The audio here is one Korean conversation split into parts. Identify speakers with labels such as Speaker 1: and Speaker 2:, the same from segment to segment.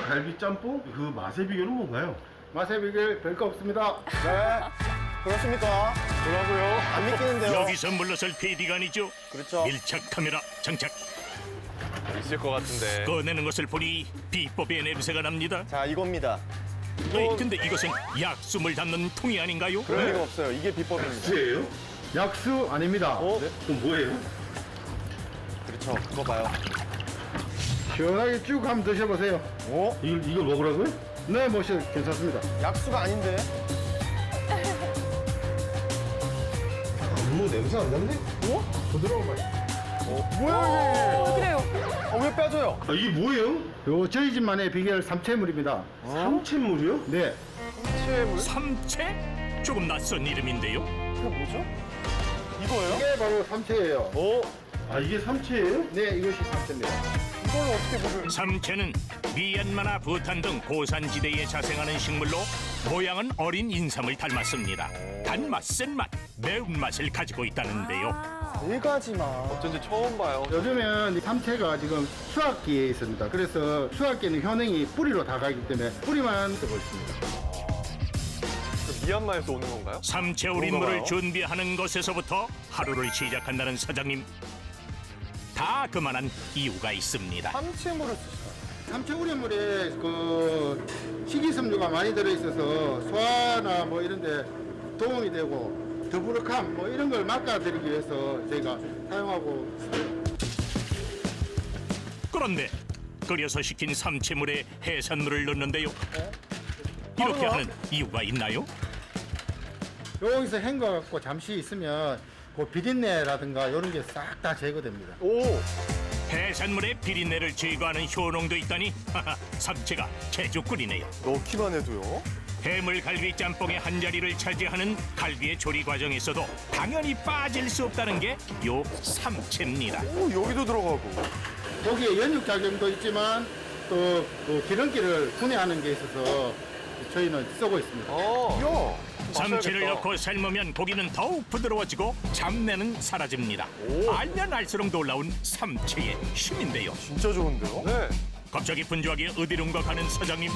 Speaker 1: 갈비 짬뽕? 그 맛의 비결은 뭔가요?
Speaker 2: 맛의 비결 별거 없습니다.
Speaker 3: 네. 그렇습니까?
Speaker 4: 뭐라고요?
Speaker 3: 안 믿기는데요.
Speaker 5: 여기서 물러설 PD가 아니죠.
Speaker 3: 그렇죠.
Speaker 5: 밀착 카메라 장착.
Speaker 4: 있을 것 같은데.
Speaker 5: 꺼내는 것을 보니 비법의 냄새가 납니다.
Speaker 3: 자, 이겁니다.
Speaker 5: 에이, 근데 이것은 약숨을 담는 통이 아닌가요?
Speaker 3: 그럴 리가 없어요. 이게 비법입니다.
Speaker 1: 약수예요?
Speaker 2: 약수 아닙니다.
Speaker 3: 어?
Speaker 1: 그럼 뭐예요?
Speaker 3: 그렇죠. 그거 봐요.
Speaker 2: 시원하게 쭉 한번 드셔보세요.
Speaker 3: 오?
Speaker 1: 이걸 먹으라고요?
Speaker 2: 네, 뭐 괜찮습니다.
Speaker 3: 약수가 아닌데?
Speaker 1: 아무 냄새 안 나는데?
Speaker 2: 부드러운 맛.
Speaker 3: 뭐야, 이게?
Speaker 6: 그래요.
Speaker 3: 왜 빼줘요?
Speaker 1: 아, 이게 뭐예요?
Speaker 2: 요 저희 집만의 비결 삼채물입니다.
Speaker 1: 삼채물이요?
Speaker 2: 네.
Speaker 3: 최물?
Speaker 5: 삼채? 조금 낯선 이름인데요.
Speaker 3: 그게 뭐죠? 이거예요?
Speaker 2: 이게 바로 삼채예요.
Speaker 3: 오?
Speaker 1: 아, 이게 삼채예요?
Speaker 2: 네, 이것이 삼채입니다.
Speaker 3: 이걸로 어떻게 물을?
Speaker 5: 삼채는 미얀마나 부탄 등 고산지대에 자생하는 식물로 모양은 어린 인삼을 닮았습니다. 단맛, 쓴맛, 매운맛을 가지고 있다는데요.
Speaker 3: 네 가지만.
Speaker 4: 어쩐지 처음 봐요.
Speaker 2: 요즘은 이 삼채가 지금 수확기에 있습니다. 그래서 수확기에는 효능이 뿌리로 다 가기 때문에 뿌리만 쓰고 있습니다.
Speaker 4: 미얀마에서 오는 건가요?
Speaker 5: 삼채 우린물을 준비하는 것에서부터 하루를 시작한다는 사장님. 다 그만한 이유가 있습니다.
Speaker 3: 참치물을 쓰시나요?
Speaker 2: 삼채 우린물에 그 식이섬유가 많이 들어있어서 소화나 뭐 이런 데 도움이 되고 더부룩함 뭐 이런 걸 막아드리기 위해서 저희가 사용하고 있습니다.
Speaker 5: 그런데 끓여서 식힌 삼채물에 해산물을 넣는데요. 이렇게 하는 이유가 있나요?
Speaker 2: 여기서 헹궈갖고 잠시 있으면 그 비린내라든가 이런 게 싹 다 제거됩니다.
Speaker 3: 오!
Speaker 5: 해산물의 비린내를 제거하는 효능도 있다니 하하, 삼채가 제주꿀이네요.
Speaker 3: 넣기만 해도요?
Speaker 5: 해물 갈비 짬뽕의 한 자리를 차지하는 갈비의 조리 과정에서도 당연히 빠질 수 없다는 게 요 삼채입니다.
Speaker 3: 오, 여기도 들어가고.
Speaker 2: 거기에 연육 작용도 있지만 또 그 기름기를 분해하는 게 있어서 저희는 쓰고 있습니다.
Speaker 3: 야!
Speaker 5: 삼채를 넣고 삶으면 고기는 더욱 부드러워지고 잡내는 사라집니다. 알면 알수록 놀라운 삼채의 힘인데요.
Speaker 3: 진짜 좋은데요?
Speaker 4: 네.
Speaker 5: 갑자기 분주하게 어디론가 가는 사장님.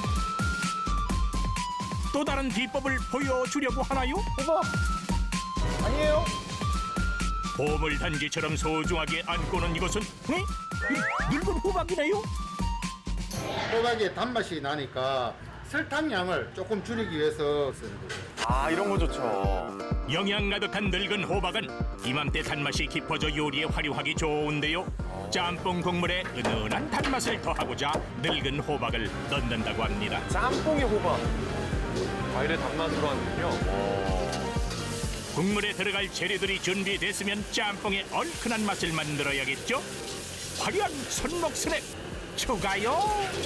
Speaker 5: 또 다른 비법을 보여주려고 하나요?
Speaker 3: 호박! 아니에요?
Speaker 5: 보물 단지처럼 소중하게 안고는 이것은 늙은 호박이네요.
Speaker 2: 호박의 단맛이 나니까 설탕량을 조금 줄이기 위해서 쓰는 거예요.
Speaker 3: 아, 이런 거 좋죠.
Speaker 5: 영양 가득한 늙은 호박은 이맘때 단맛이 깊어져 요리에 활용하기 좋은데요. 짬뽕 국물에 은은한 단맛을 더하고자 늙은 호박을 넣는다고 합니다.
Speaker 3: 짬뽕에 호박.
Speaker 4: 과일의 단맛으로 하는군요.
Speaker 5: 국물에 들어갈 재료들이 준비됐으면 짬뽕의 얼큰한 맛을 만들어야겠죠. 화려한 손목 스냅 추가요.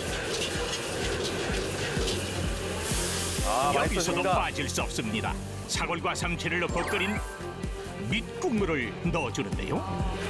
Speaker 3: 아,
Speaker 5: 여기서도
Speaker 3: 맛있어진다.
Speaker 5: 빠질 수 없습니다. 사골과 삼채를 넣고 끓인 밑국물을 넣어주는데요.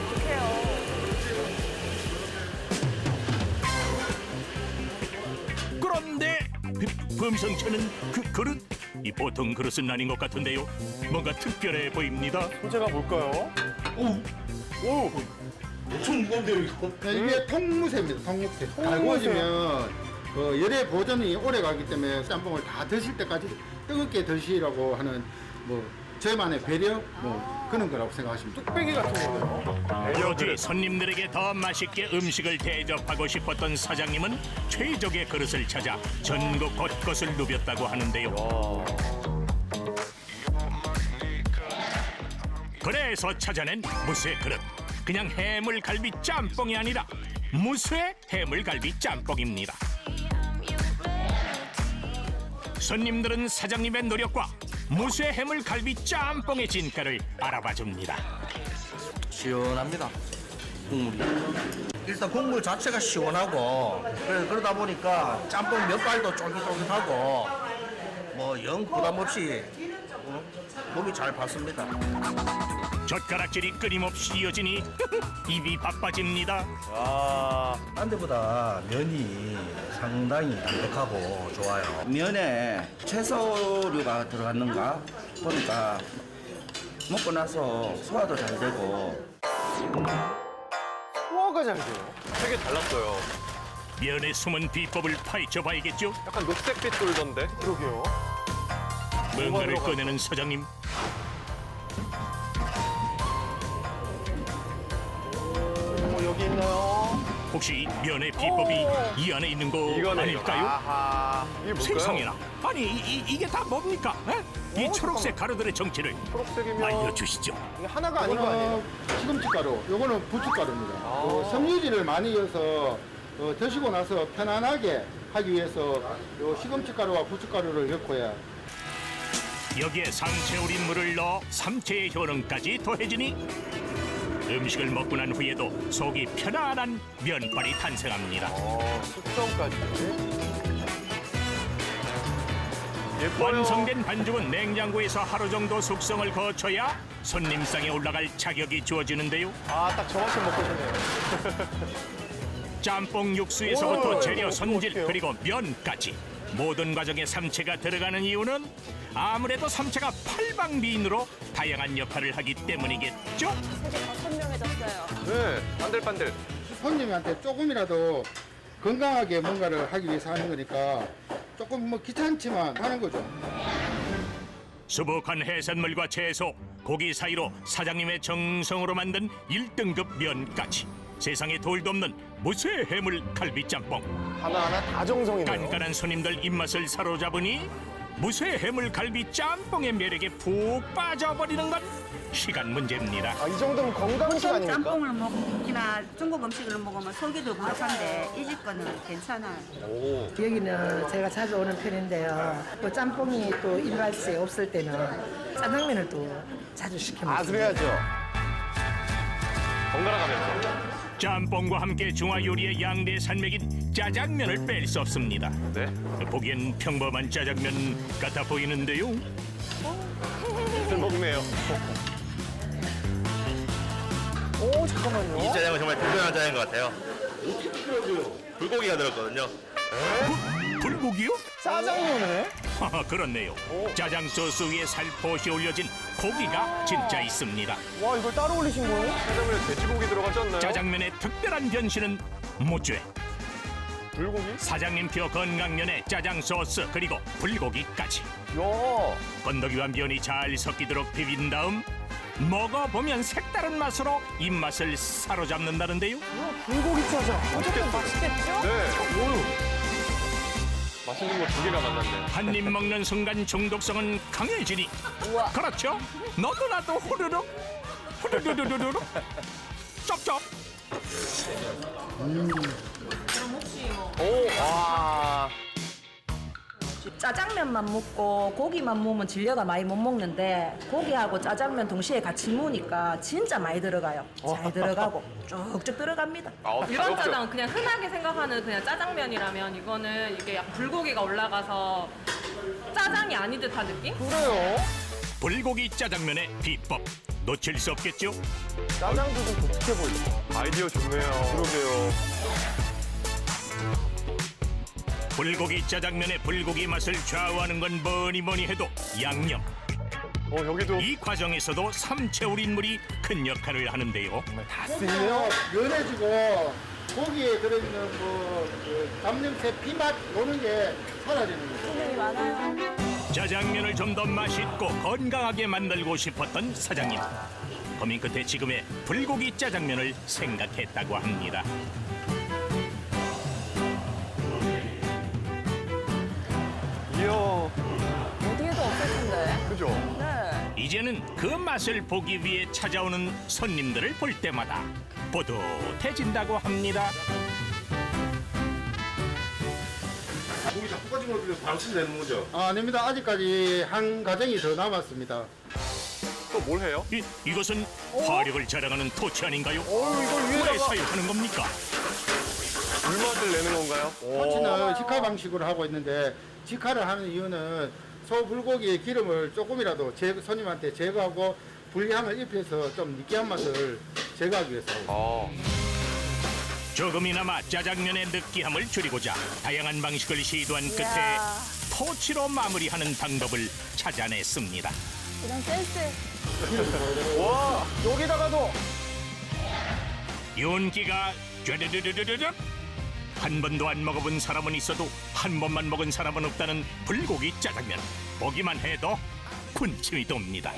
Speaker 5: 그런데 범성채는 그 그릇? 이 보통 그릇은 아닌 것 같은데요. 뭔가 특별해 보입니다.
Speaker 3: 소재가 뭘까요? 오!
Speaker 1: 엄청 무거운데요, 이거?
Speaker 2: 이게 통무새입니다. 통무새. 달궈지면 그 열의 보존이 오래 가기 때문에 짬뽕을 다 드실 때까지 뜨겁게 드시라고 하는 뭐 저희만의 배려 뭐 그런 거라고 생각하시면 됩니다.
Speaker 3: 뚝배기 같은 거네요.
Speaker 5: 오로지 손님들에게 더 맛있게 음식을 대접하고 싶었던 사장님은 최적의 그릇을 찾아 전국 곳곳을 누볐다고 하는데요. 그래서 찾아낸 무쇠 그릇. 그냥 해물갈비 짬뽕이 아니라 무쇠 해물갈비 짬뽕입니다. 손님들은 사장님의 노력과 무쇠 해물갈비 짬뽕의 진가를 알아봐줍니다.
Speaker 7: 시원합니다. 국물이. 일단 국물 자체가 시원하고 그러다 보니까 짬뽕 몇 발도 쫄깃쫄깃하고 뭐 영 부담 없이 몸이 잘 받습니다.
Speaker 5: 젓가락질이 끊임없이 이어지니 입이 바빠집니다.
Speaker 3: 아,
Speaker 7: 딴 데보다 면이 상당히 담백하고 좋아요. 면에 채소류가 들어갔는가 보니까 먹고 나서 소화도 잘 되고
Speaker 3: 소화가 잘 돼요.
Speaker 4: 되게 달랐어요.
Speaker 5: 면의 숨은 비법을 파헤쳐 봐야겠죠.
Speaker 4: 약간 녹색빛 돌던데.
Speaker 3: 그러게요.
Speaker 5: 뭔가를
Speaker 4: 들어가죠?
Speaker 5: 꺼내는 사장님.
Speaker 3: 여기 있나요?
Speaker 5: 혹시 면의 비법이 이 안에 있는 거
Speaker 4: 이거네요.
Speaker 5: 아닐까요?
Speaker 4: 아하. 이게 뭘까요?
Speaker 5: 세상에나. 아니 이게 다 뭡니까? 에? 이 초록색 가루들의 정체를
Speaker 4: 초록색이면
Speaker 5: 알려주시죠.
Speaker 3: 이게 하나가 아닌 거 아니에요?
Speaker 2: 이거는 시금치가루, 요거는 부추가루입니다.
Speaker 4: 아.
Speaker 2: 섬유질을 많이 넣어서 드시고 나서 편안하게 하기 위해서 요 시금치가루와 부추가루를 넣고요.
Speaker 5: 여기에 삼체 우린 물을 넣어 삼체의 효능까지 더해지니 음식을 먹고 난 후에도 속이 편안한 면발이 탄생합니다.
Speaker 3: 숙성까지.
Speaker 4: 예뻐요.
Speaker 5: 완성된 반죽은 냉장고에서 하루 정도 숙성을 거쳐야 손님상에 올라갈 자격이 주어지는데요.
Speaker 3: 아, 딱 저만큼 먹고 싶네요.
Speaker 5: 짬뽕 육수에서부터
Speaker 3: 오,
Speaker 5: 재료
Speaker 3: 이거
Speaker 5: 손질
Speaker 3: 어떡해요?
Speaker 5: 그리고 면까지 모든 과정에 삼체가 들어가는 이유는 아무래도 삼체가 팔방미인으로 다양한 역할을 하기 때문이겠죠.
Speaker 6: 색이 더 선명해졌어요.
Speaker 4: 네, 반들반들.
Speaker 2: 손님한테 조금이라도 건강하게 뭔가를 하기 위해서 하는 거니까 조금 뭐 귀찮지만 하는 거죠.
Speaker 5: 수북한 해산물과 채소, 고기 사이로 사장님의 정성으로 만든 1등급 면까지 세상에 돌도 없는 무쇠 해물 갈비짬뽕.
Speaker 3: 하나하나 다 정성이네요.
Speaker 5: 깐깐한 손님들 입맛을 사로잡으니 무쇠 해물 갈비짬뽕의 매력에 푹 빠져버리는 건 시간 문제입니다.
Speaker 3: 아, 이 정도면 건강식
Speaker 8: 보통
Speaker 3: 아닙니까?
Speaker 8: 짬뽕을 먹기나 중국 음식을 먹으면 속이 더 부족한데 이 집 거는 괜찮아요.
Speaker 9: 여기는 제가 자주 오는 편인데요. 또 짬뽕이 또 일갈치에 없을 때는 짜장면을 또 자주 시켜
Speaker 3: 아,
Speaker 9: 먹습니다.
Speaker 3: 그래야죠.
Speaker 4: 번갈아 가면서.
Speaker 5: 짬뽕과 함께 중화 요리의 양대 산맥인 짜장면을 뺄 수 없습니다.
Speaker 4: 네.
Speaker 5: 보기엔 평범한 짜장면 같아 보이는데요.
Speaker 4: 술 먹네요.
Speaker 3: 오, 잠깐만요.
Speaker 10: 이 짜장은 정말 불편한 짜장인 것 같아요. 불고기가 들었거든요.
Speaker 5: 불고기요?
Speaker 3: 짜장면에?
Speaker 5: 하하, 그렇네요. 짜장 소스 위에 살포시 올려진 고기가 진짜 있습니다.
Speaker 3: 와, 이걸 따로 올리신 거예요?
Speaker 4: 짜장면에 돼지고기 들어가지 않나요?
Speaker 5: 짜장면의 특별한 변신은 무죄.
Speaker 4: 불고기?
Speaker 5: 사장님표 건강면에 짜장 소스 그리고 불고기까지
Speaker 3: 야,
Speaker 5: 건더기와 면이 잘 섞이도록 비빈 다음 먹어보면 색다른 맛으로 입맛을 사로잡는다는데요.
Speaker 3: 불고기 짜장.
Speaker 6: 어쨌든 맛있겠죠?
Speaker 4: 네. 맛있는 거 두 개가 만났네.
Speaker 5: 한 입 먹는 순간 중독성은 강해지니 그렇죠? 너도 나도 후루룩 후루루루루룩 쩝쩝.
Speaker 3: 오, 와.
Speaker 8: 짜장면만 먹고 고기만 먹으면 질려가 많이 못 먹는데 고기하고 짜장면 동시에 같이 먹으니까 진짜 많이 들어가요. 잘 들어가고 쭉쭉 들어갑니다.
Speaker 6: 일반 짜장 그냥 흔하게 생각하는 그냥 짜장면이라면 이거는 이게 약간 불고기가 올라가서 짜장이 아닌 듯한 느낌?
Speaker 3: 그래요?
Speaker 5: 불고기 짜장면의 비법 놓칠 수 없겠죠?
Speaker 3: 짜장도 좀 독특해 보이죠?
Speaker 4: 아이디어 좋네요.
Speaker 3: 그러게요.
Speaker 5: 불고기 짜장면의 불고기 맛을 좌우하는 건 뭐니 해도 양념.
Speaker 4: 여기도
Speaker 5: 이 과정에서도 삼체 우린물이 큰 역할을 하는데요.
Speaker 3: 다 쓰네요.
Speaker 2: 연해지고 고기에 들어있는 잡냄새 피맛 노는 게 사라지는 거죠.
Speaker 6: 분명히 많아요.
Speaker 5: 짜장면을 좀 더 맛있고 건강하게 만들고 싶었던 사장님. 고민 끝에 지금의 불고기 짜장면을 생각했다고 합니다.
Speaker 4: 이야.
Speaker 6: 어디에도 없을 텐데.
Speaker 4: 그죠?
Speaker 6: 네.
Speaker 5: 이제는 그 맛을 보기 위해 찾아오는 손님들을 볼 때마다 뿌듯해진다고 합니다.
Speaker 1: 고기 다 볶아진 걸 바로 쓰면 되는 거죠?
Speaker 2: 아닙니다. 아직까지 한 가정이 더 남았습니다.
Speaker 4: 또 뭘 해요?
Speaker 5: 이것은 화력을 자랑하는 토치 아닌가요?
Speaker 3: 이걸
Speaker 5: 왜
Speaker 3: 위에다가.
Speaker 5: 사용하는 겁니까?
Speaker 4: 불맛을 내는 건가요?
Speaker 2: 토치는 직화 방식으로 하고 있는데 직화를 하는 이유는 소 불고기의 기름을 조금이라도 손님한테 제거하고 불향을 입혀서 좀 느끼한 맛을 제거하기 위해서 하고 있습니다.
Speaker 4: 아,
Speaker 5: 조금이나마 짜장면의 느끼함을 줄이고자 다양한 방식을 시도한 끝에
Speaker 6: 이야.
Speaker 5: 토치로 마무리하는 방법을 찾아냈습니다.
Speaker 6: 이런 센스.
Speaker 3: 와, 여기다가도.
Speaker 5: 윤기가 쫘르르르르르 한 번도 안 먹어본 사람은 있어도 한 번만 먹은 사람은 없다는 불고기 짜장면. 보기만 해도 군침이 돕니다.